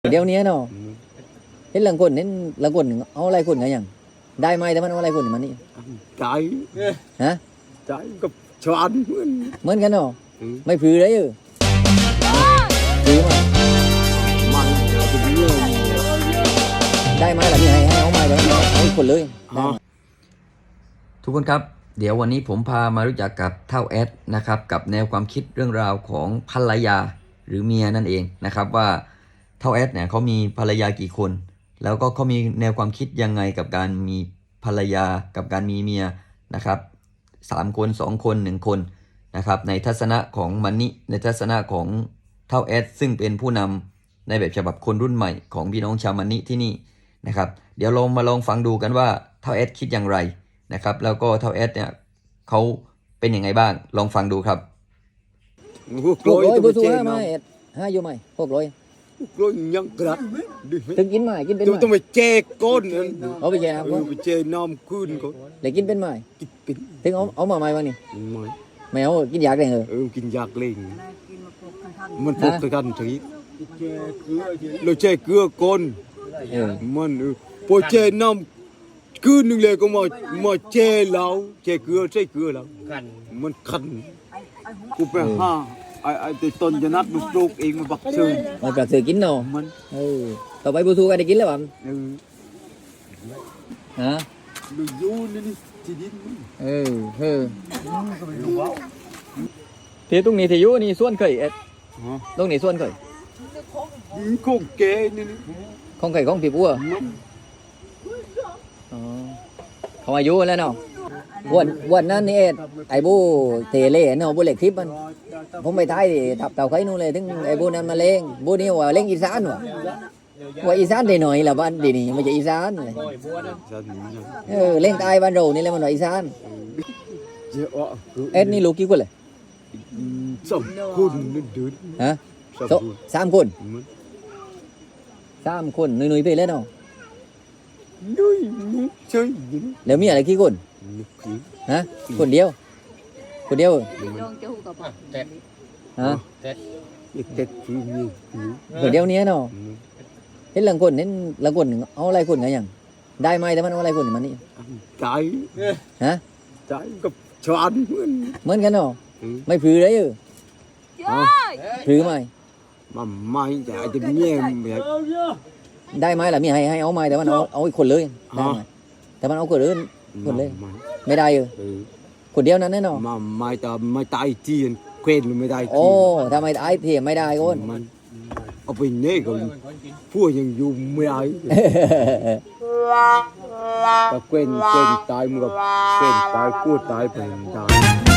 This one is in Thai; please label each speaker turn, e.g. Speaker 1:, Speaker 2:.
Speaker 1: เดี๋ยวนี้เนาะเห็นหลังคนเอาอะไรคนไงยังได้ไหมแต่มันเอาอะไรคนมันนี่
Speaker 2: Trái
Speaker 1: ฮะ
Speaker 2: Trái gặp cho ăn
Speaker 1: เหมือนกันเนาะไม่ผือเลยผือมา
Speaker 2: Mặn thì nhiều
Speaker 1: ได้ไหมล่ะนี่ให้เอาไหมแต่มันเอาอีกคนเลยได้ไหม
Speaker 3: ทุกคนครับเดี๋ยววันนี้ผมพามารู้จักกับเท่าแอดนะครับกับแนวความคิดเรื่องราวของภรรยาหรือเมียนั่นเองนะครับว่าเท่าแอดเนี่ยเขามีภรรยากี่คน แล้วก็เขามีแนวความคิดยังไงกับการมีภรรยากับการมีเมียนะครับ3 คน2 คน1 คนนะครับในทัศนะของมันนี่ในทัศนะของเท่าแอดซึ่งเป็นผู้นำในแบบฉบับคนรุ่นใหม่ของพี่น้องชาวมันนี่ที่นี่นะครับเดี๋ยวเรามาลองฟังดูกันว่าเท่าแอดคิดอย่างไรนะครับแล้วก็เท่าแอดเนี่ยเขาเป็นยังไงบ้างลองฟังดูครับ
Speaker 2: Hút
Speaker 1: 600
Speaker 2: lối
Speaker 1: บุ
Speaker 2: tôi
Speaker 1: ษ
Speaker 2: chê
Speaker 1: ห้า
Speaker 2: nó
Speaker 1: ไม่ห้าอยู่ไหม600
Speaker 2: Hút lối nhăn gạt Đi
Speaker 1: ถึงกินไหมกินเป็นไหม
Speaker 2: Tôi mày chê con
Speaker 1: เอาไปแย่ครับ
Speaker 2: Mày chê nom cun con
Speaker 1: เลยกินเป็นไหม
Speaker 2: Kinh
Speaker 1: ถึงเอามาไหมวะนี่
Speaker 2: Mày
Speaker 1: ไม่เอากินยากเลย
Speaker 2: kinh giặc lên Mình phục cái gần thấy Lối chê cưa con
Speaker 1: เออ
Speaker 2: Mình Bố chê nom cun nâng lệ con mà chê lâu Chê cưa lâu Mình khăn Cô bé ha Ai tôi tôn cho nát đục đục em mà bạc sơn
Speaker 1: มันกระสือกินเนาะ
Speaker 2: Mình
Speaker 1: ต่อไปบุษก็ได้กินแล้วบ้าง
Speaker 2: Ừ
Speaker 1: ฮะ
Speaker 2: Đừng vô lên đi Chỉ đi
Speaker 1: ที่ตรงนี้ที่อยู่นี่ส่วนเคยเอ็ด
Speaker 2: Hả
Speaker 1: ตรงนี้ส่วนเคย
Speaker 2: Đi không kê lên đi
Speaker 1: ของเคยของพี่ปัว
Speaker 2: Mình
Speaker 1: อ๋อเขาอายุแล้วเนาะวันนั้นนี่เอ็ดไอ้บูเทเล่เนาะบูเล็กทิพย์มันผมไปท้ายดิทับเต่าไข่นู่นเลยถึงไอ้บูนั้นมาเล่งบูนี่ว่าเล่งอีสานว่าอีสานได้หน่อยละบ้านดีนี่ไม่ใช่อีสานเลย
Speaker 2: Sao thì nhá
Speaker 1: เล่งใตายบ้านเรานี่แหละมันว่าอีสาน
Speaker 2: Dễ ọ cứ
Speaker 1: เอ็ดนี่ลูกกี่คนเลย
Speaker 2: Sầm khôn lên đớn
Speaker 1: ฮะ
Speaker 2: Sầm
Speaker 1: โซ
Speaker 2: khôn
Speaker 1: 3 คน
Speaker 2: Mình
Speaker 1: 3 คนนุยๆไปเลยเนาะ
Speaker 2: Nuôi chơi những
Speaker 1: แล้วมีอะไรกี่คน
Speaker 2: Nhục khí
Speaker 1: ฮะคนเดียวฮะ
Speaker 2: Nhục tết chứ nhiều
Speaker 1: คนเดียวเนี้ยเนาะ
Speaker 2: Mình
Speaker 1: เห็นหลังคนเอาอะไรคนไงยังได้ไหมแต่มันเอาอะไรคนมันนี่
Speaker 2: Trái
Speaker 1: ฮะ
Speaker 2: Trái gặp cho ăn
Speaker 1: เหมือนกันเนาะ
Speaker 2: Ừ
Speaker 1: ไม่ผือเลยผือไหม
Speaker 2: Mà mai chả cho nghe mẹ
Speaker 1: ได้ไหมล่ะมีให้เอาไหมแต่มันเอาอีกคนเลยได้ไหมแต่มันเอาคนอื่น
Speaker 2: Mà
Speaker 1: Còn lên.
Speaker 2: mai
Speaker 1: ไม่ได้
Speaker 2: Ừ
Speaker 1: คนเดียวนั้นแน่นอน
Speaker 2: Mà mai ta mai tay chiên Quen rồi mai tay
Speaker 1: โอ้
Speaker 2: chiên
Speaker 1: ทำไมไอ้เทียไม่ได้โอน
Speaker 2: Mình Ở bên này còn Pua nhưng dù mới ai Ta quen tay mà gặp Quen tay cua tay bên tay